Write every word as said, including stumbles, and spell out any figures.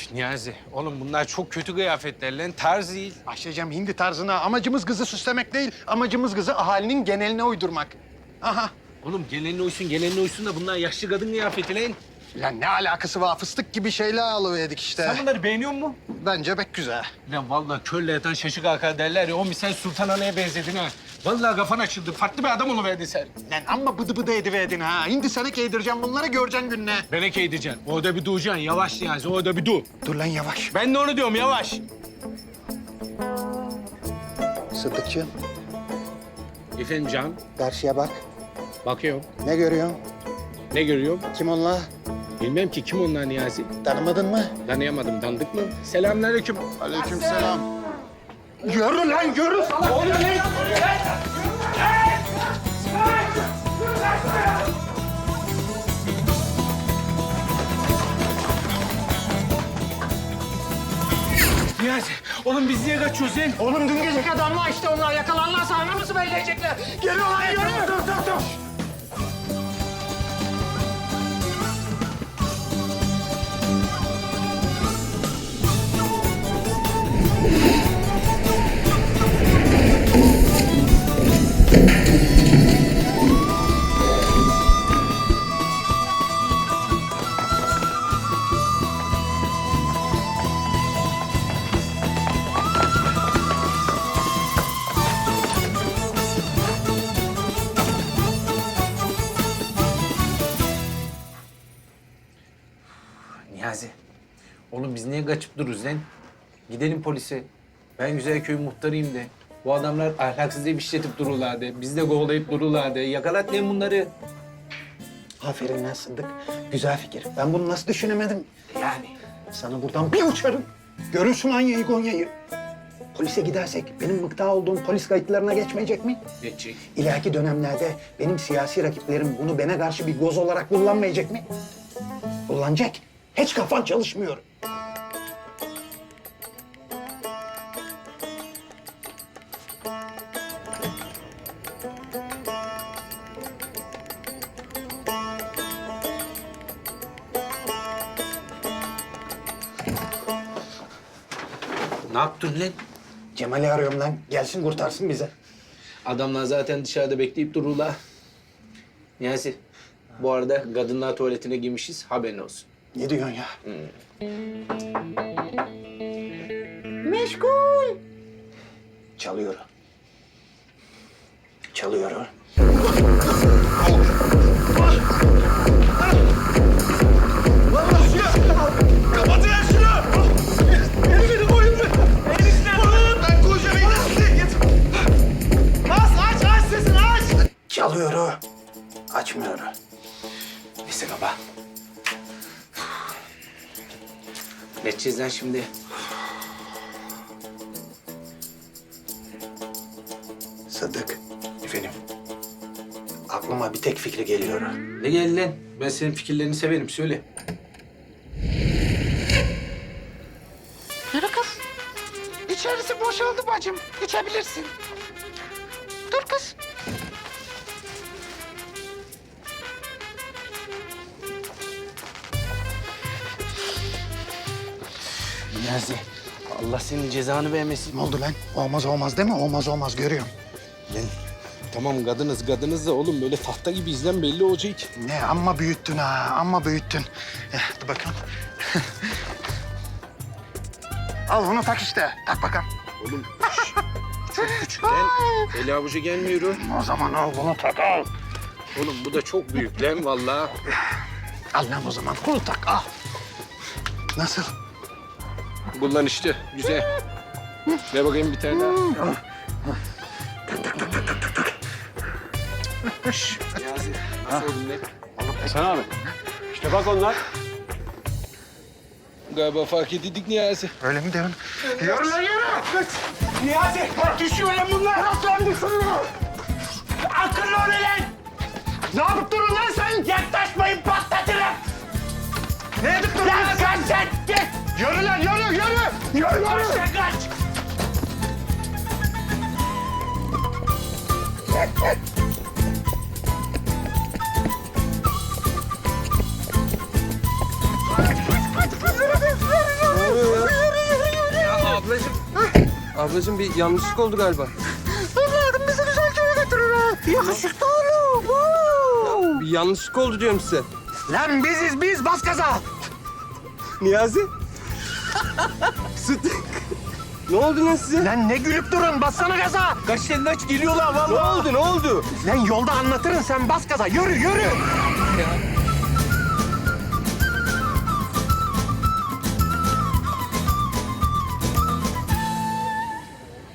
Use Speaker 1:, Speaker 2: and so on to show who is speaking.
Speaker 1: Niyazi, oğlum bunlar çok kötü kıyafetler lan. Tarz değil.
Speaker 2: Başlayacağım hindi tarzına. Amacımız kızı süslemek değil. Amacımız kızı ahalinin geneline uydurmak. Aha.
Speaker 1: Oğlum gelenin uysun, gelenin uysun da bunlar yaşlı kadın kıyafeti lan.
Speaker 2: Lan ne alakası var? Fıstık gibi şeyler alıverdik işte.
Speaker 1: Sen bunları beğeniyor musun?
Speaker 2: Bence pek güzel.
Speaker 1: Lan vallahi körle yatan şaşı kalkar derler ya. O misal Sultan Ana'ya benzedin ha. Vallahi kafan açıldı. Farklı bir adam oluverdin sen.
Speaker 2: Lan amma bıdı bıdı ediverdin ha. Hindi sana giydireceğim bunları göreceksin gününe.
Speaker 1: Benek edeceksin. Orada bir duracaksın. Yavaş Niyazi, orada bir dur.
Speaker 2: Dur lan yavaş.
Speaker 1: Ben de onu diyorum, yavaş.
Speaker 2: Sıddıkçığım
Speaker 1: Efendim Can,
Speaker 2: karşıya bak.
Speaker 1: bakıyorum.
Speaker 2: Ne görüyorsun?
Speaker 1: Ne görüyorum?
Speaker 2: Kim onlar?
Speaker 1: Bilmem ki kim onlar Niyazi.
Speaker 2: Tanımadın mı?
Speaker 1: Tanıyamadım, dandık mı? Selamünaleyküm.
Speaker 2: Aleykümselam. Yürü lan yürü.
Speaker 1: Niyazi, oğlum biz niye kaçıyoruz lan?
Speaker 2: Oğlum dün geceki adamlar işte onlar. Yakalanlarsa anamızı bekleyecekler. Geliyor lan yürü. Dur dur dur.
Speaker 1: Niyazi, oğlum biz niye kaçıp dururuz lan? Gidelim polise. Ben Güzelköy muhtarıyım de. Bu adamlar ahlaksız diye işletip dururlar de. Biz de kovalayıp dururlar de. Yakalat lan bunları.
Speaker 2: Aferin lan Sıddık. Güzel fikir. Ben bunu nasıl düşünemedim?
Speaker 1: Yani.
Speaker 2: Sana buradan bir uçarım. Görürsün Anya'yı Gonya'yı. Polise gidersek benim mıkta olduğum polis kayıtlarına geçmeyecek mi?
Speaker 1: Geçecek.
Speaker 2: İleriki dönemlerde benim siyasi rakiplerim bunu bana karşı bir goz olarak kullanmayacak mı? Kullanacak. Hiç kafan çalışmıyor.
Speaker 1: Ne yaptın lan?
Speaker 2: Cemal'i arıyorum lan. Gelsin kurtarsın bize.
Speaker 1: Adamlar zaten dışarıda bekleyip dururlar. Niyazi, bu arada kadınlar tuvaletine girmişiz. Haberin olsun.
Speaker 2: Ne diyorsun ya? Meşgul. Çalıyor. Çalıyor.
Speaker 3: Kapatın ya şunu! Elini koyun mu? Elini koyun! Ben koyacağım elini. Git. Aç, aç, aç sesini aç!
Speaker 2: Çalıyor. Açmıyor.
Speaker 1: Neyse baba. Ne edeceğiz lan şimdi?
Speaker 2: Sıddık. Efendim. Aklıma bir tek fikri geliyor.
Speaker 1: Ne geldi lan? Ben senin fikirlerini severim. Söyle.
Speaker 4: Yürü kız. İçerisi boşaldı bacım. İçebilirsin. Dur kız.
Speaker 1: Niyazi, Allah senin cezanı vermesin.
Speaker 2: Ne oldu lan? Olmaz olmaz değil mi? Olmaz olmaz görüyorum.
Speaker 1: Lan tamam kadınız kadınız da oğlum böyle tahta gibi izlen belli olacak.
Speaker 2: Ne amma büyüttün ha, amma büyüttün. Eh, dur bakalım. Al bunu tak işte. Tak bakalım.
Speaker 1: Oğlum şş, çok küçük lan. Eli avucu gelmiyor.
Speaker 2: O zaman al bunu tak al.
Speaker 1: Oğlum bu da çok büyük lan vallahi.
Speaker 2: Al lan o zaman bunu tak al. Nasıl?
Speaker 1: Bundan işte güzel. Ver bakayım bir tane daha. Şş, Niyazi, nasıl oldun lan?
Speaker 3: Sen abi. İşte bak onlar.
Speaker 1: Galiba fark edildik Niyazi.
Speaker 2: Öyle mi diyorsun? Yürü lan yürü.
Speaker 3: Niyazi! Düşüyor lan bunlar! Nasıl lan düşüyor? Akıllı ol lan!
Speaker 2: Ne yapıp durun lan sen?
Speaker 3: Yaklaşmayın patlatırım!
Speaker 2: Ne yapıp durun lan
Speaker 3: Lan
Speaker 2: sen?
Speaker 3: kaç sen! Git!
Speaker 2: Yürü lan yürü yürü. Yürü
Speaker 3: Kaç
Speaker 2: yürü.
Speaker 3: sen kaç!
Speaker 2: Oo,
Speaker 5: Ablacığım bir yanlışlık oldu galiba.
Speaker 4: Evladım bizi güzel köye götürür ha. Yakışıklı oğlum. Oo.
Speaker 5: Bir yanlışlık oldu diyorum size.
Speaker 2: Lan biziz biz, bas gaza.
Speaker 5: Niyazi. Süt. Ne oldu lan size?
Speaker 2: Lan ne gülüp durun, bassana gaza.
Speaker 1: Kaç elini aç geliyorlar
Speaker 5: Ne
Speaker 1: vallahi.
Speaker 5: oldu ne oldu?
Speaker 2: Lan yolda anlatırın, sen bas gaza. Yürü, yürü.
Speaker 5: Ya